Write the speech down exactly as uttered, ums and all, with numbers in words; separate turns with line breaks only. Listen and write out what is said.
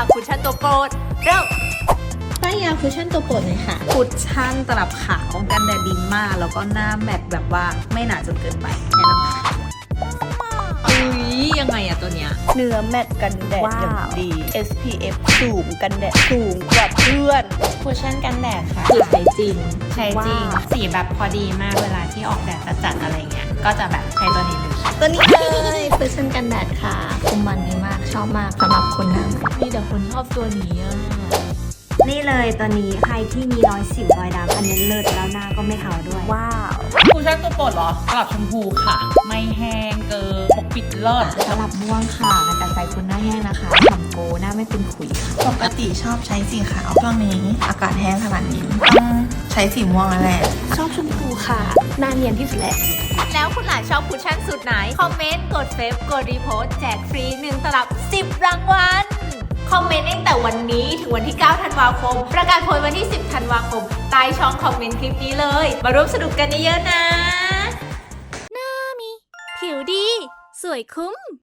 คุชชั่นตัวโปรดเริ่ม
ป้ายยาคุชชั่นตัวโปรดเลยค่ะ
คุชชั่นตลับขาวกันแดดดีมากแล้วก็หน้าแมตต์แบบว่าไม่หนาจนเกินไปแนะนำค่ะอุ้ยยังไงอะตัวเนี้ย
เนื้อแมตต์กันแดดอย่างดี เอส พี เอฟ สูงกันแดดสูงกว่าเพื่อนคุชชั่นกันแดดค่ะ
คือใช้จริง
ใช้จริงสีแบบพอดีมากเวลาที่ออกแดดจัดๆอะไรเงี้ยก็จะแบบใช้ตัวนี้เลย
ตัวนี้เลยคุชชั่นกันแดดค่ะคุมมันดีมากชอบมากสำหรับคนหน้า
มีแต่คนชอบตัวนี้อะ
นี่เลยตัวนี้ใครที่มีรอยสิวรอยดำอันนี้เลิศแล้วหน้าก็ไม่เทาด้วย
ว้าว
คุชชั่นตัวโปรดเหรอตลับชมพูค่ะไม่แห้งเกินปกปิดเลิศ
ตลับม่วงค่ะกระจัดใจคนหน้าแห้งนะคะฉ่ำโกหน้าไม่เป็นขุยค่ะ
ปกติชอบใช้สีขาวช่วงนี้อากาศแห้งขนาดนี้ต้องใช้สีม่วงแล้วแหละ
ชอบชมพูค่ะหน้าเนียนที่สุดแหละ
แล้วคุณหลานชอบคุชชั่นสูตรไหนคอมเมนต์กดเฟซกดรีโพสต์แจกฟรีหนึ่งตลับสิบรางวัลคอมเมนต์ตั้งแต่วันนี้ถึงวันที่เก้าธันวาคมประกาศผลวันที่สิบธันวาคมใต้ช่องคอมเมนต์คลิปนี้เลยมาร่วมสนุกกันเยอะๆนะ
ผิวดีสวยคุ้ม